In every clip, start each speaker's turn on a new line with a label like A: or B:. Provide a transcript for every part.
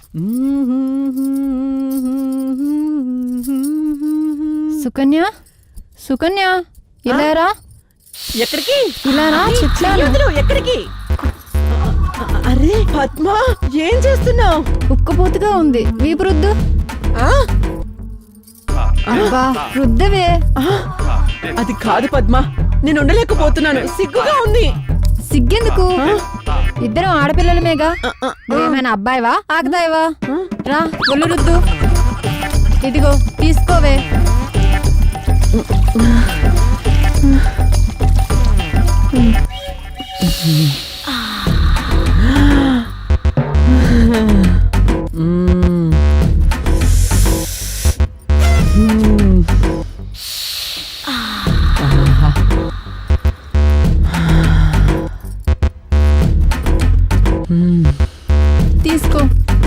A: సుకన్య సుకన్య ఇలారా.
B: ఎక్కడికి?
A: ఇలారా చెప్తాను.
B: ఎక్కడికి? అరే పద్మ, ఏం చేస్తున్నావు?
A: ఉక్కపోతుగా ఉంది, వీపు రుద్దు. అబ్బా రుద్దవే.
B: అది కాదు పద్మ, నేను ఉండలేకపోతున్నాను, సిగ్గుగా ఉంది.
A: సిగ్గెందుకు? ఇద్దరం ఆడపిల్లలమేగా. నువ్వేమైనా అబ్బాయివా ఆగదాయవా? రా ఒళ్ళు రుద్దు. ఇదిగో తీసుకోవే. తీసుకో.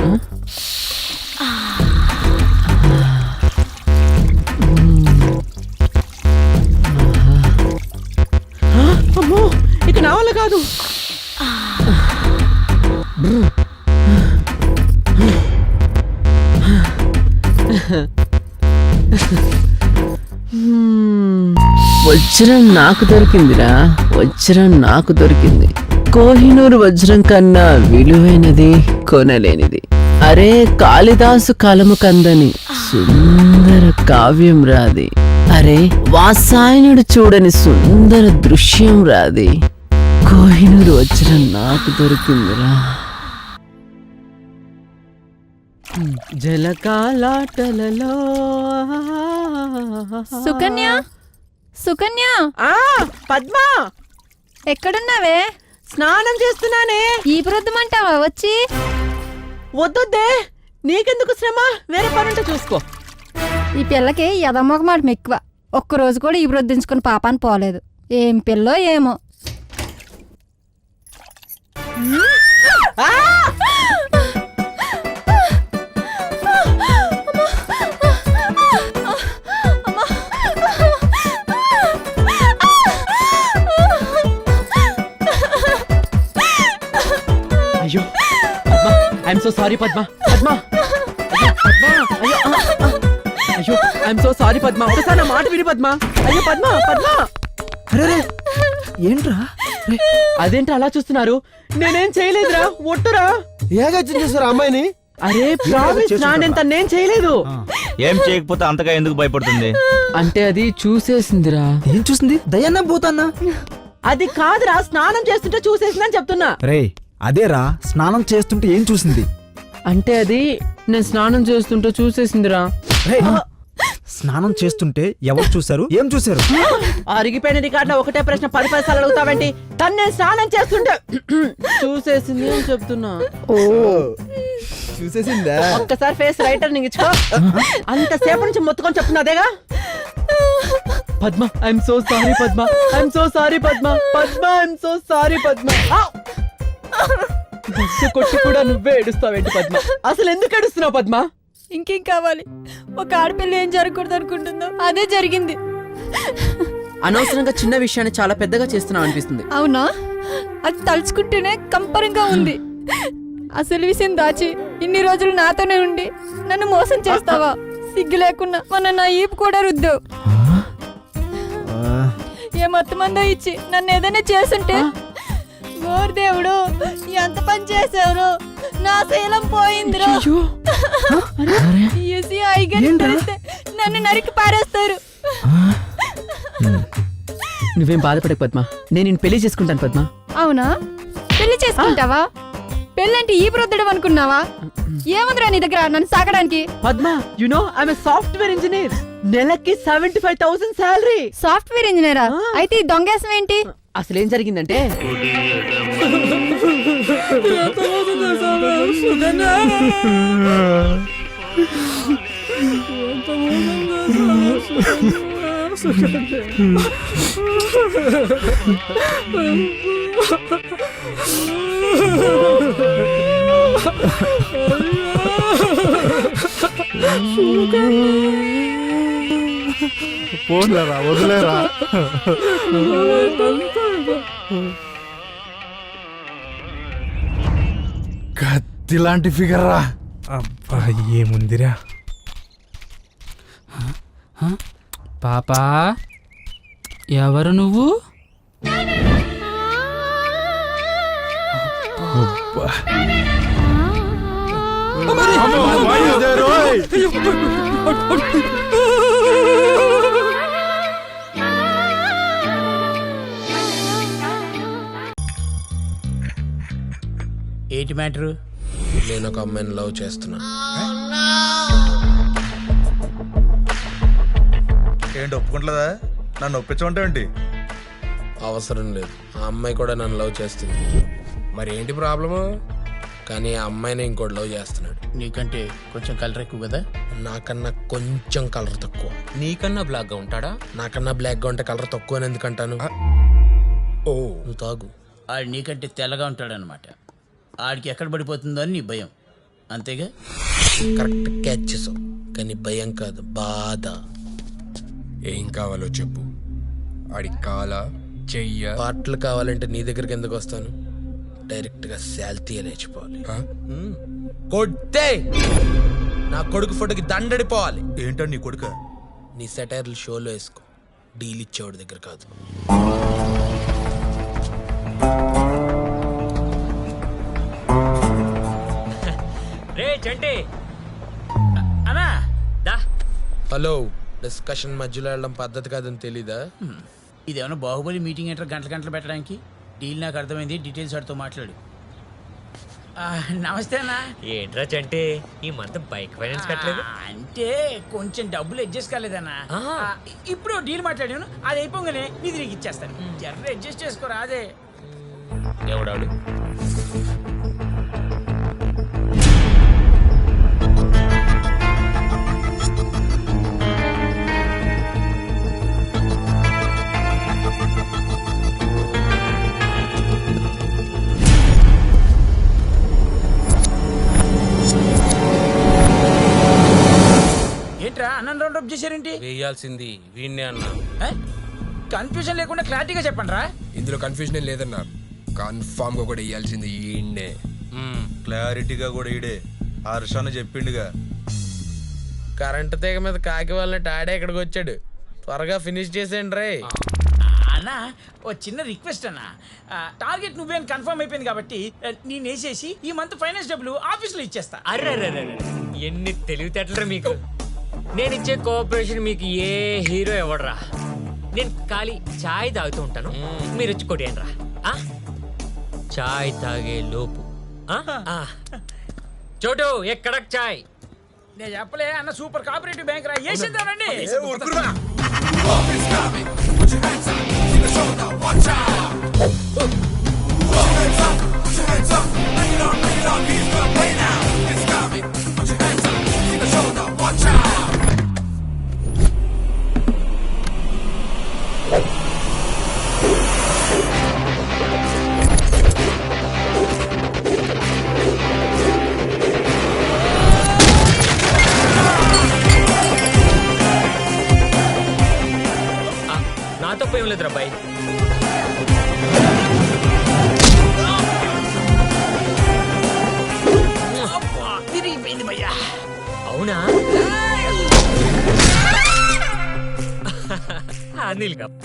B: అమ్మో, ఇక నా వల్ల కాదు. వజ్రం నాకు దొరికిందిరా, వజ్రం నాకు దొరికింది. కోహినూరు వజ్రం కన్నా విలువైనది కొనలేనిది. అరే కాళిదాసు కలము కందని సుందర కావ్యం రాది. అరే వాసాయనుడు చూడని సుందర దృశ్యం రాది. కోహినూరు వజ్రం నాకు దొరికిందిరా. జలకాలాటలలో.
A: సుకన్య సుకన్య.
B: పద్మ
A: ఎక్కడున్నావే?
B: స్నానం చేస్తున్నానే.
A: ఈ ప్రొద్దుమంటావా వచ్చి?
B: వద్దొద్దే, నీకెందుకు శ్రమ, వేరే పనుంటే చూసుకో.
A: ఈ పిల్లకి ఎదమొకమాట ఎక్కువ. ఒక్కరోజు కూడా ఈ ప్రొద్దించుకుని పాపాన్ని పోలేదు. ఏం పిల్లో ఏమో.
B: అయ్యో Padma, I'm so sorry Padma. Padma అయ్యో ఐఎమ్ సో సారీ పద్మ, ఒకసారి నా మాట విని పద్మ. అయ్యో పద్మ పద్మ.
C: అరే ఏంట్రా?
B: అదేంటి అలా చూస్తున్నారు? నేనేం చేయలేదురా, ఒట్టురా.
C: ఏగాచ్యం చేశారు అమ్మాయిని?
B: అరే ప్రామిస్, నేను చేయలేదు.
D: ఏం చేయకపోతే అంతగా ఎందుకు భయపడుతుంది?
B: అంటే అది చూసేసిందిరా.
C: ఏం చూసింది? దయ్యాన్నా పోతాన్నా?
B: అది కాదురా, స్నానం చేస్తుంటే చూసేసిందని చెప్తున్నా.
C: రే అదేరా, స్నానం చేస్తుంటే ఏం చూసింది?
B: అంటే అది నేను స్నానం చేస్తుంటే చూసేసిందిరా.
C: రే స్నానం చేస్తుంటే ఎవరు చూశారు, ఏం చూశారు?
B: అరిగిపోయిన రికార్డులో ఒకటే ప్రశ్న 10 సార్లు అడుగుతావేంటి? తను నేను స్నానం చేస్తుంటే చూసేసింది అని చెప్తున్నా.
C: ఓ చూసేసిందా?
B: ఒక్కసారి ఫేస్ రైటర్ ఇచ్చుకో. అంతసేపు నుంచి మొత్తుకొని చెప్తున్నదేగా. Padma I'm so sorry Padma, I'm so sorry Padma. Padma I'm so sorry Padma. బస్సు కొట్టి కూడా నువ్వే ఏడుస్తావేంటి పద్మ? అసలు ఎందుకు ఏడుస్తున్నావు పద్మ?
A: ఇంకేం కావాలి? ఒక ఆడపిల్ల ఏం జరగకూడదు అనుకుంటుందో అదే జరిగింది.
B: అనవసరంగా చిన్న విషయాన్ని చాలా పెద్దగా చేస్తున్నావు అనిపిస్తుంది.
A: అవునా? అది తలుచుకుంటేనే కంపరంగా ఉంది. అసలు విషయం దాచి ఇన్ని రోజులు నాతోనే ఉండి నన్ను మోసం చేస్తావా? సిగ్గు లేకుండా మొన్న నా ఈపు కూడా రుద్దావు. ఏ మొత్తం మందో ఇచ్చి నన్ను ఏదైనా చేసుంటే. ఓర్ దేవుడు, ఎంత పని చేసావు? నా శీలం పోయిందిరా. నన్ను నరికి పారేస్తారు.
B: నువ్వేం బాధపడకు పద్మ, నేను నిన్ను పెళ్లి చేసుకుంటాను పద్మ.
A: అవునా? పెళ్లి చేసుకుంటావా? పెళ్ళంటే ఈ ప్రొద్దడం అనుకున్నావా? ఏముందిరా నీ దగ్గర నన్ను సాగడానికి?
B: Padma, you know I am a software engineer. నెలకి 75,000 సాలరీ.
A: సాఫ్ట్వేర్ ఇంజనీరా? అయితే ఈ దొంగేసం ఏంటి?
B: అసలేం జరిగిందంటే,
C: పోన్లేరా, వదిలేరా. కత్తి లాంటి ఫిగర్ రా.
E: అబ్బా ఏముందిరా.
F: పాపా ఎవరు నువ్వు?
E: అబ్బా.
F: ఏంటి మ్యాటరు?
G: నేను ఒక అమ్మాయిని లవ్ చేస్తున్నా.
H: ఏంటి ఒప్పుకుంటలేదా? నన్ను ఒప్పించమంటావేంటి?
G: అవసరం లేదు, ఆ అమ్మాయి కూడా నన్ను లవ్ చేస్తుంది. మరి ఏంటి ప్రాబ్లము? కానీ ఆ అమ్మాయిని ఇంకోటి లవ్ చేస్తున్నాడు.
F: నీకంటే కొంచెం కలర్ ఎక్కువ కదా?
G: నాకన్నా కొంచెం కలర్ తక్కువ.
I: నీకన్నా బ్లాక్ గా ఉంటాడా?
G: నాకన్నా బ్లాక్ గా ఉంటే కలర్ తక్కువ అని ఎందుకంటాను? ఓ నువ్వు తాగు.
F: ఆడు నీకంటే తెల్లగా ఉంటాడనమాట. ఆడికి ఎక్కడ పడిపోతుందో అని నీ భయం, అంతేగా?
G: కరెక్ట్ క్యాచ్ చేసావు, కానీ భయం కాదు, బాధ.
I: ఏం కావాలో చెప్పు. ఆడి కాల చెయ్య
G: పాటలు కావాలంటే నీ దగ్గరికి ఎందుకు వస్తాను? డైరెక్ట్ గా శాల్తీ లేచిపోవాలి. కొట్టే నా కొడుకు ఫోటోకి దండడిపోవాలి.
H: ఏంటో నీ కొడుక?
G: నీ సెటైర్లు షోలో వేసుకో, డీల్ ఇచ్చేవాడి దగ్గర కాదు.
I: రే చంటి
F: అన్నా
I: దా.
G: హలో, డిస్కషన్ మధ్యలో వెళ్ళడం పద్ధతి కాదని తెలీదా?
F: ఇదేమన్నా బాహుబలి మీటింగ్ ఏంటో గంటలు పెట్టడానికి? డీల్ నాకు అర్థమైంది, డీటెయిల్స్ వాడితో మాట్లాడు. నమస్తే అన్నా.
I: ఏంట్రా చంటి ఈ మంత్ బైక్ ఫైనాన్స్ కట్టలేదు?
F: అంటే కొంచెం డబ్బులు అడ్జస్ట్ కాలేదన్నా.
I: ఆహా.
F: ఇప్పుడు డీల్ మాట్లాడాను, అది అయిపోగానే నీ తిరిగి ఇచ్చేస్తాను. జర్ర అడ్జస్ట్ చేసుకోరా. అదే
I: ఎవడాడు?
F: ఏంట్రా అన్నం రౌండ్ అప్ చేశారేంటి?
G: వేయాల్సింది వీణ్ణే అన్నా.
F: కన్ఫ్యూజన్ లేకుండా క్లారిటీగా చెప్పండి రా.
I: ఇందులో కన్ఫ్యూజన్ ఏం లేదన్నా, కన్ఫామ్ గా కూడా ఇయ్యాల్సింది ఈయన్నే.
H: క్లారిటీగా కూడా ఈడే హర్షాన్ని చెప్పిండుగా.
G: కరెంట్ తీగ మీద కాకి వాళ్ళని ఆడే ఇక్కడికి వచ్చాడు. త్వరగా ఫినిష్ చేసేయండి రే.
F: అన్నా ఓ చిన్న రిక్వెస్ట్ అన్నా. టార్గెట్ నువ్వేం కన్ఫర్మ్ అయిపోయింది కాబట్టి నేను వేసేసి ఈ మంత్ ఫైనాన్స్ డబ్బులు ఆఫీస్లో ఇచ్చేస్తా.
I: అర్రే ఎన్ని తెలివితేటలరా మీకు. నేను ఇచ్చే కోఆపరేషన్ మీకు ఏ హీరో ఎవడరా. నేను ఖాళీ చాయ్ తాగుతూ ఉంటాను, మీరు వచ్చి కొట్టేయండి రా. చాయ్ తాగే లోపు చోటు ఎక్కడ చాయ్?
F: నేను చెప్పలే అన్న, సూపర్ కోఆపరేటివ్ బ్యాంక్ రా, వేసేద్దానండి.
I: నాతో ఏం లేదురా బాయ్.
F: తిరిగిపోయింది భయ్యా.
I: అవునా? అనిల్ గా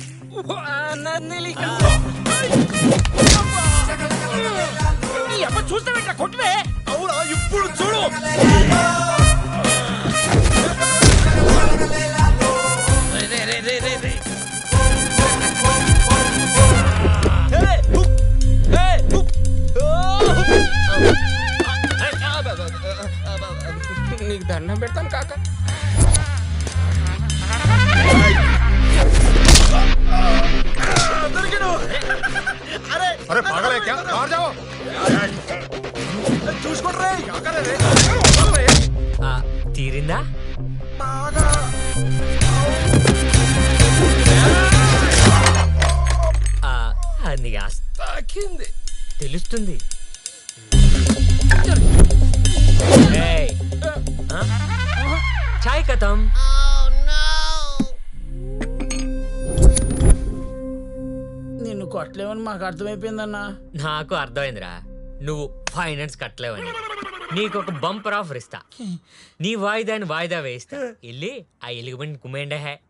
F: చూస్తావేట్రా, కొట్టువే.
H: అవునా, ఇప్పుడు చూడు.
G: నీకు దండం పెడతాను కాక.
H: అరే పాగలే క్యా? బాహర్ జాओ. చూసుకోండి.
I: తీరిందా? అది తాకింది తెలుస్తుంది. చాయ్ కథం.
F: నిన్ను కొట్టలేవని మాకు అర్థమైపోయిందన్నా.
I: నాకు అర్థమైందిరా, నువ్వు ఫైనాన్స్ కట్టలేవని. నీకు ఒక బంపర్ ఆఫర్ ఇస్తా. నీ వాయిదాని వాయిదా వేయిస్తా. వెళ్ళి ఆ ఎలుగుబంటి కుమ్మేండే హే.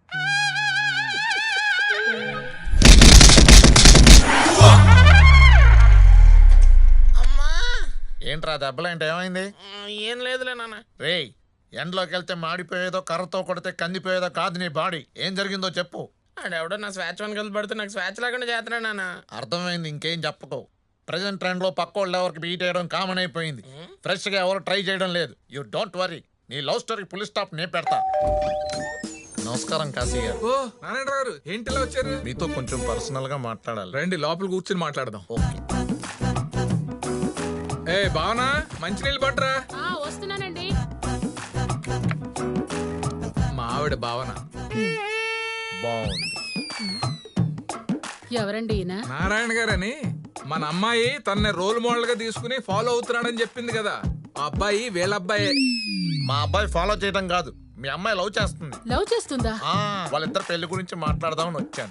J: ఏంట్రా దెబ్బలేంటి ఏమైంది?
G: ఏం లేదులే నాన్న.
J: రేయ్, ఎండలోకి వెళ్తే మాడిపోయేదో కర్రతో కొడితే కందిపోయేదో కాదు నీ బాడీ. ఏం జరిగిందో చెప్పు.
G: ఆడెవడో నా స్వేచ్ఛ కలిసి పడితే నాకు స్వేచ్ఛ లేకుండా చేస్తున్నాడు నాన్న.
J: అర్థమైంది, ఇంకేం చెప్పకు. ప్రజెంట్ ట్రెండ్ లో పక్కోళ్ళు ఎవరికి బీట్ చేయడం కామన్ అయిపోయింది. ఫ్రెష్ గా ఎవరు ట్రై చేయడం లేదు. యూ డోంట్ వరీ, నీ లవ్ స్టోరీ ఫుల్ స్టాప్ నే పెడతా. నమస్కారం కాశీ గారు.
H: ఓ నారాయణ గారు ఏంటిలా వచ్చారు?
J: మీతో కొంచెం పర్సనల్ గా మాట్లాడాలి.
H: రండి లోపల కూర్చుని మాట్లాడదాం.
J: ఓకే.
H: ఏ భావనా, మంచినీళ్ళు పట్టరా.
A: వస్తున్నానండి.
H: మా ఆవిడ భావన.
J: బాగుంది.
A: ఎవరండి ఈయన?
H: నారాయణ గారని మన అమ్మాయి తన రోల్ మోడల్ గా తీసుకుని ఫాలో అవుతున్నాడని చెప్పింది కదా, ఆ అబ్బాయి వీళ్ళ అబ్బాయే.
J: మా అబ్బాయి ఫాలో చేయడం కాదు, మీ అమ్మాయి లవ్ చేస్తుంది.
A: లవ్ చేస్తుందా?
J: వాళ్ళిద్దరు పెళ్లి గురించి మాట్లాడదామని వచ్చాను.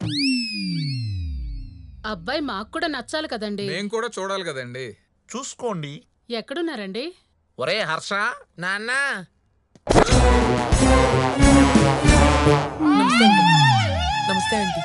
A: అబ్బాయి మాకు కూడా నచ్చాలి కదండి.
H: మేము కూడా చూడాలి కదండి.
J: చూసుకోండి.
A: ఎక్కడున్నారండి?
J: ఒరే హర్ష,
G: నాన్న నమస్తే ఆంటీ.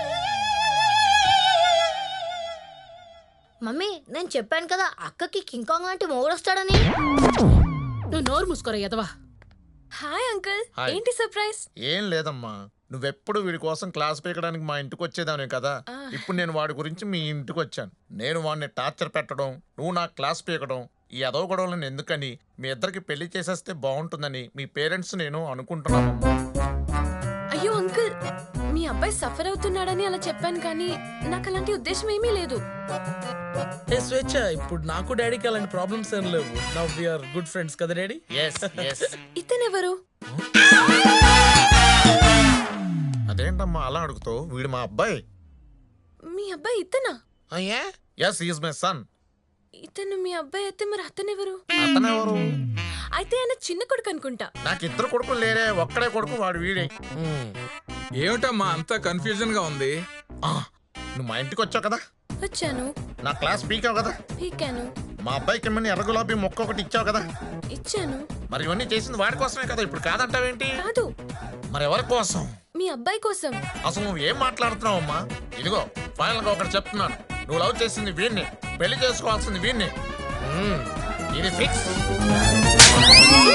K: మమ్మీ నేను చెప్పాను కదా అక్కకి కింగ్ కాంగ్ లాంటి మొగుడు వస్తాడని.
A: నువ్వు నోరు మూసుకోరా ఎదవా.
K: Hi uncle.
J: హాయ్.
K: ఏంటి సర్ప్రైజ్?
J: ఏం లేదమ్మా, నువ్వెప్పుడు వీడి కోసం క్లాస్ పీకడానికి మా ఇంటికి వచ్చేదానే కదా. ఇప్పుడు నేను వాడి గురించి మీ ఇంటికి వచ్చాను. నేను వాడిని టార్చర్ పెట్టడం, నువ్వు నా క్లాస్ పీకడం, ఈ అదవ గొడవలను ఎందుకని, మీ ఇద్దరికి పెళ్లి చేసేస్తే బాగుంటుందని మీ పేరెంట్స్ నేను అనుకుంటున్నానమ్మా.
K: అయ్యో అంకుల్, మీ అబ్బాయి సఫర్ అవుతున్నాడని అలా చెప్పాను కానీ నాకు అలాంటి ఉద్దేశం ఏమీ లేదు.
G: ఏ స్వేచ్ఛ, ఇప్పుడు నాకు డాడీకి అలాంటి ప్రాబ్లమ్స్ ఏం లేవు. Now we are good friends కదా డాడీ.
J: Yes yes.
K: ఇతనెవరు?
J: అదేంటమ్మా అలా అడుగుతావు? వీడు మా అబ్బాయి.
K: మీ అబ్బాయి ఇతనా?
G: అయ్యా
J: ఎస్, ఈజ్ మై సన్.
K: ఇతను మీ అబ్బాయి అయితే మరి అతనెవరు?
J: అతనెవరు?
K: అయితే ఆయన చిన్న కొడుకు అనుకుంటా.
J: నాకు ఇద్దరు కొడుకులు లేరే, ఒక్కడే కొడుకు, వాడు వీడే.
H: ఏమిటమ్మా అంతా కన్ఫ్యూజన్ గా ఉంది?
J: నువ్వు మా ఇంటికి వచ్చావు కదా,
K: వచ్చాను,
J: నా క్లాస్ పీకావు కదా,
K: పీకాను,
J: మా అబ్బాయికి ఏమన్నా ఎర్ర గులాబీ మొక్క ఒకటి ఇచ్చావు కదా.
K: ఇచ్చాను.
J: మరి ఇవన్నీ చేసింది వాడి కోసమే కదా, ఇప్పుడు కాదంటావేంటి?
K: కాదు,
J: మరి ఎవరి కోసం?
K: మీ అబ్బాయి కోసం.
J: అసలు నువ్వు ఏం మాట్లాడుతున్నావు అమ్మా? ఇదిగో ఫైనల్ గా ఒకటి చెప్తున్నాను, నువ్వు లవ్ చేసింది వీడిని, పెళ్లి చేసుకోవాల్సింది వీడిని. ఇది ఫిక్స్.